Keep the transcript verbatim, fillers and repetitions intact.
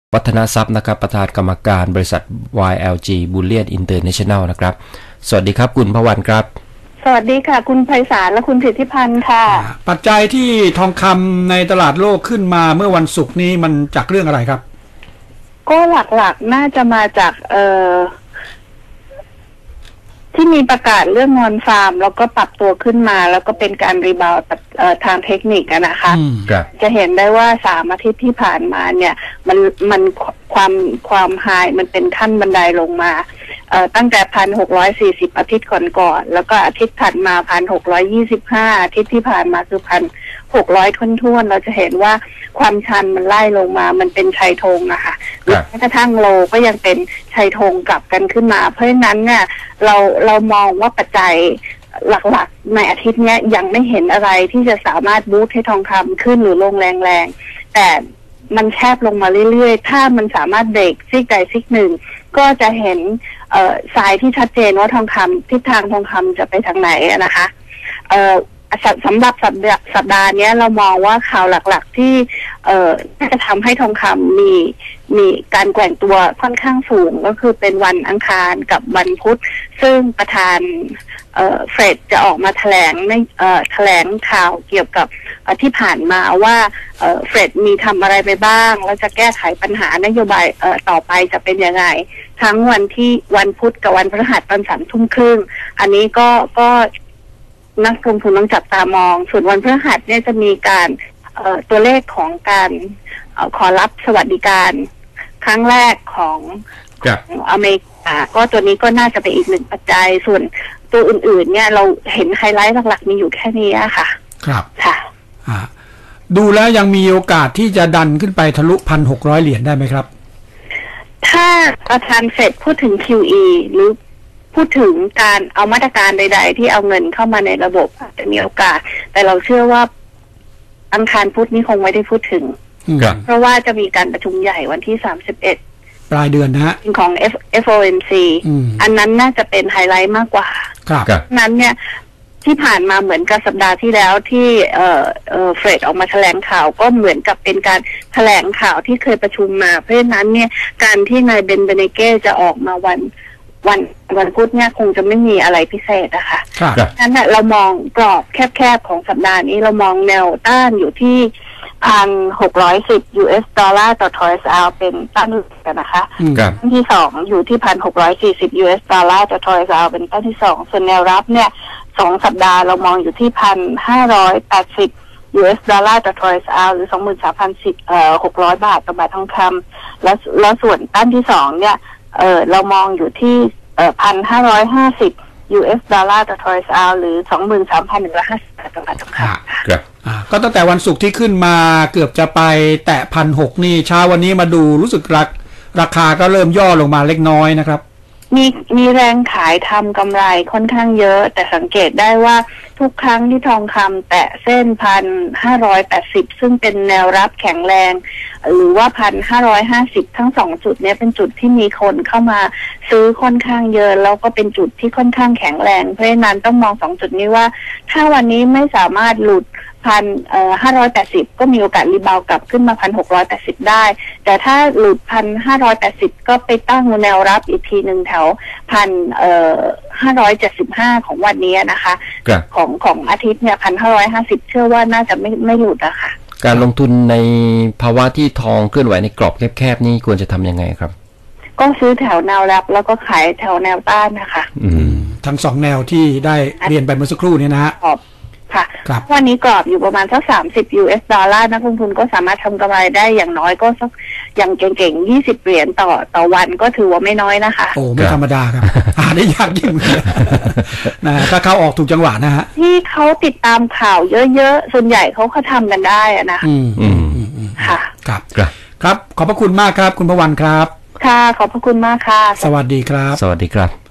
วัฒนทรัพย์นะครับประธานกรรมการบริษัท วาย แอล จี Bullion International นะครับสวัสดีครับคุณพวันครับสวัสดีค่ะคุณไพศาลและคุณสิทธิพันธ์ค่ะปัจจัยที่ทองคำในตลาดโลกขึ้นมาเมื่อวันศุกร์นี้มันจากเรื่องอะไรครับก็หลักๆน่าจะมาจากเอ่อที่มีประกาศเรื่องงอนฟาร์มแล้วก็ปรับตัวขึ้นมาแล้วก็เป็นการรีบาวด์ทางเทคนิคนะคะจะเห็นได้ว่าสามอาทิตย์ที่ผ่านมาเนี่ยมันมันความความไฮมันเป็นขั้นบันไดลงมาเอ่อตั้งแต่พันหกร้อยสี่สิบอาทิตย์ก่อนก่อนแล้วก็อาทิตย์ถัดมาพันหกร้อยยี่สิบห้าอาทิตย์ที่ผ่านมาคือพันหกร้อยทุ่นๆเราจะเห็นว่าความชันมันไล่ลงมามันเป็นชัยธงอะค่ะแม้กระทั่งโลก็ยังเป็นชัยธงกลับกันขึ้นมาเพราะฉะนั้นเนี่ยเราเรามองว่าปัจจัยหลักๆในอาทิตย์นี้ยังไม่เห็นอะไรที่จะสามารถบูสต์ให้ทองคำขึ้นหรือลงแรงๆแต่มันแคบลงมาเรื่อยๆถ้ามันสามารถเบรกซิกใดซิกหนึ่งก็จะเห็นเอ่อสายที่ชัดเจนว่าทองคำทิศทางทองคำจะไปทางไหนนะคะเอ่อสำหรับสัปดาห์สัปดาห์นี้เรามองว่าข่าวหลักๆที่เอ่อจะทำให้ทองคำมีมีการแกว่งตัวค่อนข้างสูงก็คือเป็นวันอังคารกับวันพุธซึ่งประธานเอ่อเฟดจะออกมาแถลงในเอ่อแถลงข่าวเกี่ยวกับที่ผ่านมาว่าเอ่อเฟดมีทำอะไรไปบ้างแล้วจะแก้ไขปัญหานโยบายเอ่อต่อไปจะเป็นยังไงทั้งวันที่วันพุธกับวันพฤหัสตอนสามทุ่มครึ่งอันนี้ก็ก็นักลงทุนต้องจับตามองส่วนวันพฤหัสเนี่ยจะมีการเอ่อตัวเลขของการเอ่อขอรับสวัสดิการครั้งแรกของของอเมริกาก็ตัวนี้ก็น่าจะเป็นอีกหนึ่งปัจจัยส่วนตัวอื่นๆเนี่ยเราเห็นไฮไลท์หลักๆมีอยู่แค่นี้ค่ะครับค่ะอ่าดูแล้วยังมีโอกาสที่จะดันขึ้นไปทะลุพันหกร้อยเหรียญได้ไหมครับถ้าประธานเฟดพูดถึง คิว อี หรือพูดถึงการเอามาตรการใดๆที่เอาเงินเข้ามาในระบบอาจจะมีโอกาสแต่เราเชื่อว่าอังคารพุธนี้คงไม่ได้พูดถึงเพราะว่าจะมีการประชุมใหญ่วันที่สามสิบเอ็ดปลายเดือนนะฮะของ เอฟ โอ เอ็ม ซี อันนั้นน่าจะเป็นไฮไลท์มากกว่าครับนั้นเนี่ยที่ผ่านมาเหมือนกับสัปดาห์ที่แล้วที่เอ่อเอ่อเฟดออกมาแถลงข่าวก็เหมือนกับเป็นการแถลงข่าวที่เคยประชุมมาเพราะฉะนั้นเนี่ยการที่นายเบนเบเนเก้จะออกมาวันวันวันพุธเนี่ยคงจะไม่มีอะไรพิเศษนะคะนั้นเนี่ยเรามองกรอบแคบๆของสัปดาห์นี้เรามองแนวต้านอยู่ที่พันหกร้อยสิบ ยู เอส ดอลลาร์ต่อทอยส์เอาเป็นต้านกันนะคะต้นที่สองอยู่ที่พันหกร้อยสี่สิบ ยู เอส ดอลลาร์ต่อทอยส์เอาเป็นต้นที่สองส่วนแนวรับเนี่ยสองสัปดาห์เรามองอยู่ที่พันห้าร้อยแปดสิบ ยู เอส ดอลลาร์ต่อทอยส์เอาหรือสองหมื่นสามพันสิบเอ่อหกร้อยบาทต่อบาททองคำแล้วแล้วส่วนต้านที่สองเนี่ยเออเรามองอยู่ที่เอ่อพันห้าร้อยห้าสิบ ยู เอส ดอลลาร์ต่อทอยส์เอาหรือสองหมื่นสามพันหนึ่งร้อยห้าสิบบาทต่อบาททองคำครับก็ตั้งแต่วันศุกร์ที่ขึ้นมาเกือบจะไปแตะพันหกนี่เช้าวันนี้มาดูรู้สึกราราคาก็เริ่มย่อลงมาเล็กน้อยนะครับมีมีแรงขายทำกำไรค่อนข้างเยอะแต่สังเกตได้ว่าทุกครั้งที่ทองคำแตะเส้นพันห้าร้อยแปดสิบซึ่งเป็นแนวรับแข็งแรงหรือว่าพันห้าร้อยห้าสิบทั้งสองจุดนี้เป็นจุดที่มีคนเข้ามาซื้อค่อนข้างเยอะแล้วก็เป็นจุดที่ค่อนข้างแข็งแรงเพราะฉะนั้นต้องมองสองจุดนี้ว่าถ้าวันนี้ไม่สามารถหลุดพันเอ่อห้าร้อยแปดสิบก็มีโอกาสรีบาวกลับขึ้นมาพันหกร้อยแปดสิบได้แต่ถ้าหลุดพันห้าร้อยแปดสิบก็ไปตั้งแนวรับอีกทีหนึ่งแถวพันเอ่อห้าร้อยเจ็ดสิบห้าของวันนี้นะคะของของอาทิตย์เนี่ยพันห้าร้อยห้าสิบเชื่อว่าน่าจะไม่ไม่หลุดอะค่ะการลงทุนในภาวะที่ทองเคลื่อนไหวในกรอบแคบๆนี่ควรจะทำยังไงครับก็ซื้อแถวแนวรับแล้วก็ขายแถวแนวต้านนะคะอืมทั้งสองแนวที่ได้เรียนไปเมื่อสักครู่นี้นะฮะค่ะวันนี้กรอบอยู่ประมาณสักสามสิบ ยู เอส ดอลลาร์นักลงทุนก็สามารถทำกำไรได้อย่างน้อยก็สักอย่างเก่งๆยี่สิบเหรียญต่อต่อวันก็ถือว่าไม่น้อยนะคะโอ้ไม่ธรรมดาครับหาได้ยากยิ่งนะถ้าเขาออกถูกจังหวะนะฮะที่เขาติดตามข่าวเยอะๆส่วนใหญ่เขาเขาทำกันได้อะนะอืมอืมค่ะครับครับขอบพระคุณมากครับคุณพวันครับค่ะขอบพระคุณมากค่ะสวัสดีครับสวัสดีครับ